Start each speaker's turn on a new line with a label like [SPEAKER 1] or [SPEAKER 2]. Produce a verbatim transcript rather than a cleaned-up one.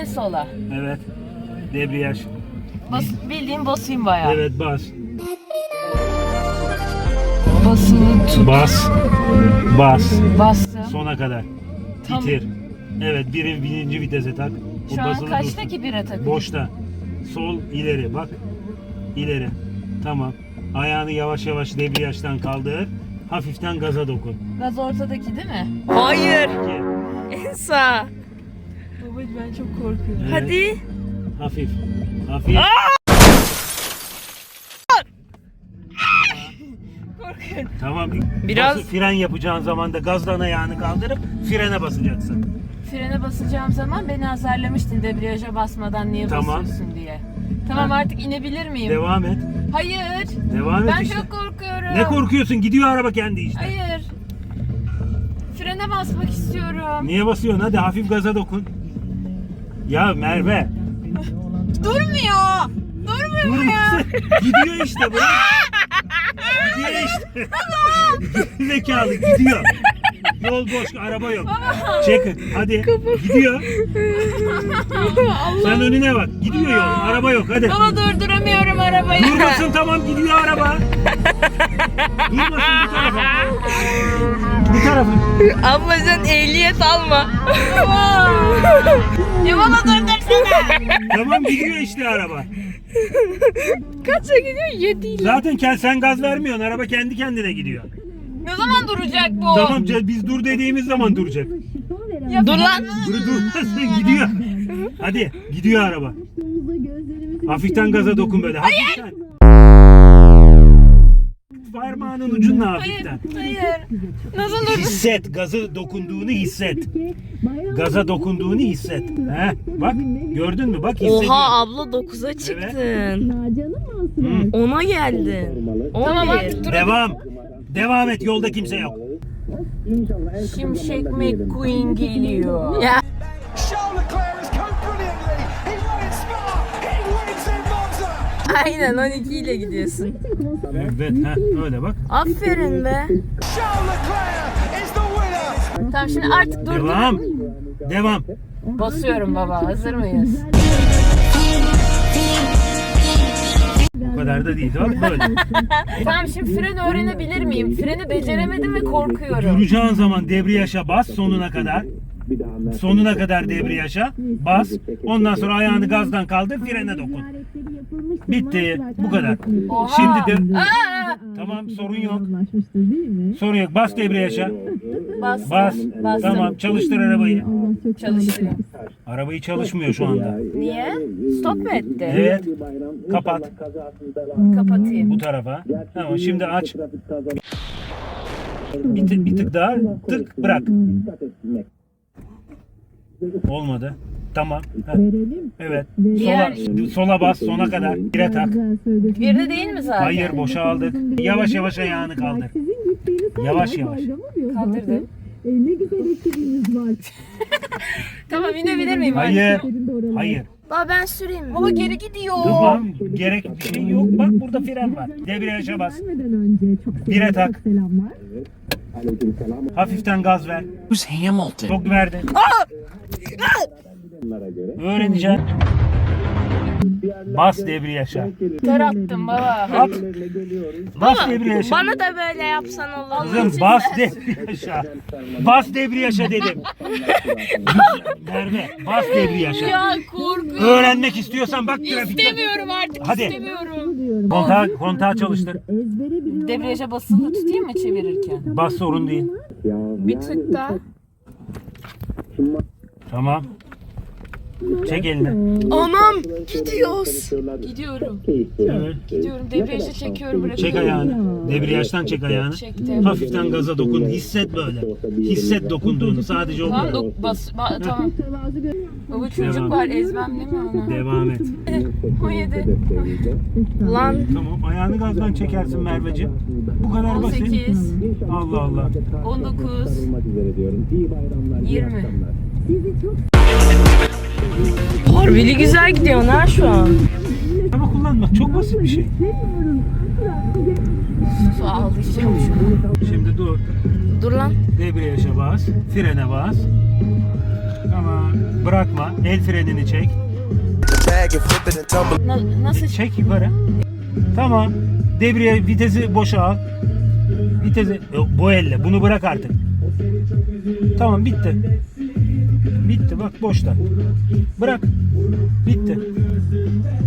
[SPEAKER 1] sola.
[SPEAKER 2] Evet. Debriyaj.
[SPEAKER 1] Bas, bildiğin basayım bayağı.
[SPEAKER 2] Evet bas.
[SPEAKER 1] Basılı tut.
[SPEAKER 2] Bas. Bas.
[SPEAKER 1] Bastım.
[SPEAKER 2] Sona kadar.
[SPEAKER 1] Tam-
[SPEAKER 2] Titir. Evet bir, birinci vitese tak. O
[SPEAKER 1] Şu an
[SPEAKER 2] basılı
[SPEAKER 1] kaçta
[SPEAKER 2] dursun.
[SPEAKER 1] ki bire takıyor?
[SPEAKER 2] Boşta. Sol ileri bak. İleri. Tamam. Ayağını yavaş yavaş debriyajdan kaldır. Hafiften gaza dokun.
[SPEAKER 1] Gaz ortadaki değil mi?
[SPEAKER 3] Hayır.
[SPEAKER 2] İki.
[SPEAKER 3] En sağ.
[SPEAKER 1] Baba ben çok korkuyorum.
[SPEAKER 2] Evet.
[SPEAKER 3] Hadi.
[SPEAKER 2] Hafif. Hafif.
[SPEAKER 1] Korkuyorum.
[SPEAKER 2] Tamam.
[SPEAKER 3] Biraz-
[SPEAKER 2] Bası- fren yapacağın zaman da gazdan ayağını kaldırıp frene basacaksın.
[SPEAKER 1] Frene basacağım zaman beni azarlamıştın debriyaja basmadan niye
[SPEAKER 2] Tamam.
[SPEAKER 1] basıyorsun diye. Tamam
[SPEAKER 2] Ha.
[SPEAKER 1] artık inebilir miyim?
[SPEAKER 2] Devam et.
[SPEAKER 1] Hayır.
[SPEAKER 2] Devam et
[SPEAKER 1] Ben
[SPEAKER 2] işte.
[SPEAKER 1] çok korkuyorum.
[SPEAKER 2] Ne korkuyorsun? Gidiyor araba kendi işte.
[SPEAKER 1] Hayır. Frene basmak istiyorum.
[SPEAKER 2] Niye basıyorsun? Hadi hafif gaza dokun. Ya Merve.
[SPEAKER 1] Durmuyor. Durmuyor mu ya?
[SPEAKER 2] Durmasın. Gidiyor işte bu. Gidiyor işte. Zekalı gidiyor. Yol boş, araba yok. Çek, hadi. Gidiyor. Sen önüne bak. Gidiyor yol, araba yok. Hadi.
[SPEAKER 1] Ama durduramıyorum arabayı.
[SPEAKER 2] Durmasın tamam gidiyor araba. Durmasın bu tarafa. Bu tarafa.
[SPEAKER 3] Abla sen ehliyet alma.
[SPEAKER 1] Ya baba durdursana.
[SPEAKER 2] Tamam gidiyor işte araba.
[SPEAKER 3] Kaça gidiyor? Yedi.
[SPEAKER 2] Zaten kend- sen gaz vermiyorsun. Araba kendi kendine gidiyor.
[SPEAKER 1] Ne zaman duracak bu?
[SPEAKER 2] Tamam c- biz dur dediğimiz zaman duracak.
[SPEAKER 1] Ya
[SPEAKER 3] Dur lan.
[SPEAKER 2] Dur durmasın gidiyor. Hadi gidiyor araba. Hafiften gaza dokun böyle. Hafiften. Parmağının ucunla
[SPEAKER 1] Hayır,
[SPEAKER 2] hafiften.
[SPEAKER 1] hayır. Nasıl dur?
[SPEAKER 2] Hisset, gazı dokunduğunu hisset. Gaza dokunduğunu hisset. He, bak gördün mü? Bak hissediyor.
[SPEAKER 3] Oha abla dokuza çıktın.
[SPEAKER 2] Hı.
[SPEAKER 3] Ona geldin.
[SPEAKER 1] Tamam
[SPEAKER 3] on bir.
[SPEAKER 1] artık dur.
[SPEAKER 2] Devam. Devam et. Yolda kimse yok.
[SPEAKER 1] Şimşek McQueen geliyor.
[SPEAKER 3] Ya
[SPEAKER 4] Charles Leclerc has come brilliantly. He won in Spa. He wins in Monza.
[SPEAKER 3] aynen on iki ile gidiyorsun.
[SPEAKER 2] Evet, ha öyle bak.
[SPEAKER 3] Aferin be.
[SPEAKER 4] Charles Leclerc is the winner.
[SPEAKER 1] Tamam şimdi artık dur.
[SPEAKER 2] Devam. Devam.
[SPEAKER 1] Basıyorum baba. Hazır mıyız?
[SPEAKER 2] Bu kadar da değil. Tamam böyle.
[SPEAKER 1] Tamam şimdi fren öğrenebilir miyim? Freni beceremedim ve korkuyorum.
[SPEAKER 2] Duracağın zaman debriyaja bas sonuna kadar. Sonuna kadar debriyaja bas. Ondan sonra ayağını gazdan kaldır, frene dokun. Bitti. Bu kadar.
[SPEAKER 1] Oha.
[SPEAKER 2] Şimdi de
[SPEAKER 1] Aa!
[SPEAKER 2] tamam sorun yok. Sorun yok. Bas debriyaja.
[SPEAKER 1] Bastım.
[SPEAKER 2] Bas.
[SPEAKER 1] Bastım.
[SPEAKER 2] Tamam. Çalıştır arabayı.
[SPEAKER 1] Çalıştırıyor.
[SPEAKER 2] Arabayı çalışmıyor şu anda.
[SPEAKER 1] Niye? Stop mu etti?
[SPEAKER 2] Evet. Kapat.
[SPEAKER 1] Kapatayım.
[SPEAKER 2] Bu tarafa. Tamam. Şimdi aç. Bir tık, bir tık daha. Tık. Bırak. Olmadı. Tamam. Heh. Evet. Sola, sola bas sona kadar. Bire tak.
[SPEAKER 1] Birde değil mi zaten?
[SPEAKER 2] Hayır boşaldık. Yavaş yavaş ayağını kaldır. Yavaş yavaş.
[SPEAKER 1] Kaldırdım.
[SPEAKER 5] Ne güzel ekibiniz var.
[SPEAKER 1] Tamam inebilir miyim?
[SPEAKER 2] Hayır. Hayır.
[SPEAKER 3] Baba ben süreyim mi?
[SPEAKER 1] Baba geri gidiyor.
[SPEAKER 2] Tamam. Gerek bir şey yok. Bak burada fren var. Debriyaja bas.
[SPEAKER 5] Vermeden önce çok
[SPEAKER 2] Bire tak.
[SPEAKER 5] selamlar.
[SPEAKER 2] Hafiften gaz ver. Çok verdin. Öğreneceksin. Bas debriyaja.
[SPEAKER 1] Ter attım baba.
[SPEAKER 2] At. Bas debriyaja.
[SPEAKER 3] Bana da böyle yapsan olur.
[SPEAKER 2] Kızım bas debriyaja. Bas debriyaja dedim. Merve bas debriyaja.
[SPEAKER 1] Ya korkuyorum.
[SPEAKER 2] Öğrenmek istiyorsan bak trafikte.
[SPEAKER 1] İstemiyorum artık
[SPEAKER 2] Hadi.
[SPEAKER 1] istemiyorum.
[SPEAKER 2] Kontağı, kontağı çalıştır.
[SPEAKER 5] Ezbere biliyorum.
[SPEAKER 1] Debriyaja basılı tutayım mı çevirirken?
[SPEAKER 2] Bas sorun değil.
[SPEAKER 1] Bir tık daha.
[SPEAKER 2] Tamam. Çek elini.
[SPEAKER 3] Anam gidiyoruz.
[SPEAKER 1] Gidiyorum.
[SPEAKER 2] Evet.
[SPEAKER 1] Gidiyorum. Debriyaja çekiyorum bırakıyorum.
[SPEAKER 2] Çek ayağını. Debriyajdan çek ayağını.
[SPEAKER 1] Çektim.
[SPEAKER 2] Hafiften gaza dokun. Hisset böyle. Hisset dokunduğunu. Sadece o
[SPEAKER 1] Tamam
[SPEAKER 2] kadar.
[SPEAKER 1] dok bas. Ba tamam.
[SPEAKER 5] Mütevazı gör-
[SPEAKER 1] Baba çocuk
[SPEAKER 2] Devam.
[SPEAKER 1] var ezmem değil mi onu?
[SPEAKER 2] Devam et.
[SPEAKER 1] on yedi.
[SPEAKER 3] Lan
[SPEAKER 2] Tamam. Ayağını gazdan çekersin Merveciğim. Bu kadar
[SPEAKER 1] on
[SPEAKER 2] basit.
[SPEAKER 1] sekiz.
[SPEAKER 2] Allah Allah.
[SPEAKER 1] on dokuz. yirmi.
[SPEAKER 3] harbili güzel gidiyorsun ha şu an.
[SPEAKER 2] Ama kullanmak çok basit bir şey.
[SPEAKER 1] Sus ağlayacağım şu an.
[SPEAKER 2] Şimdi dur.
[SPEAKER 3] Dur lan.
[SPEAKER 2] Debriyaja bas. Frene bas. Tamam. Bırakma. El frenini çek.
[SPEAKER 1] Na- nasıl?
[SPEAKER 2] Çek yukarı. Tamam. Debriye vitesi boşa al. Vitesi Yok, bu elle. Bunu bırak artık. Tamam bitti. Bitti bak boşta. Bırak. Bitti.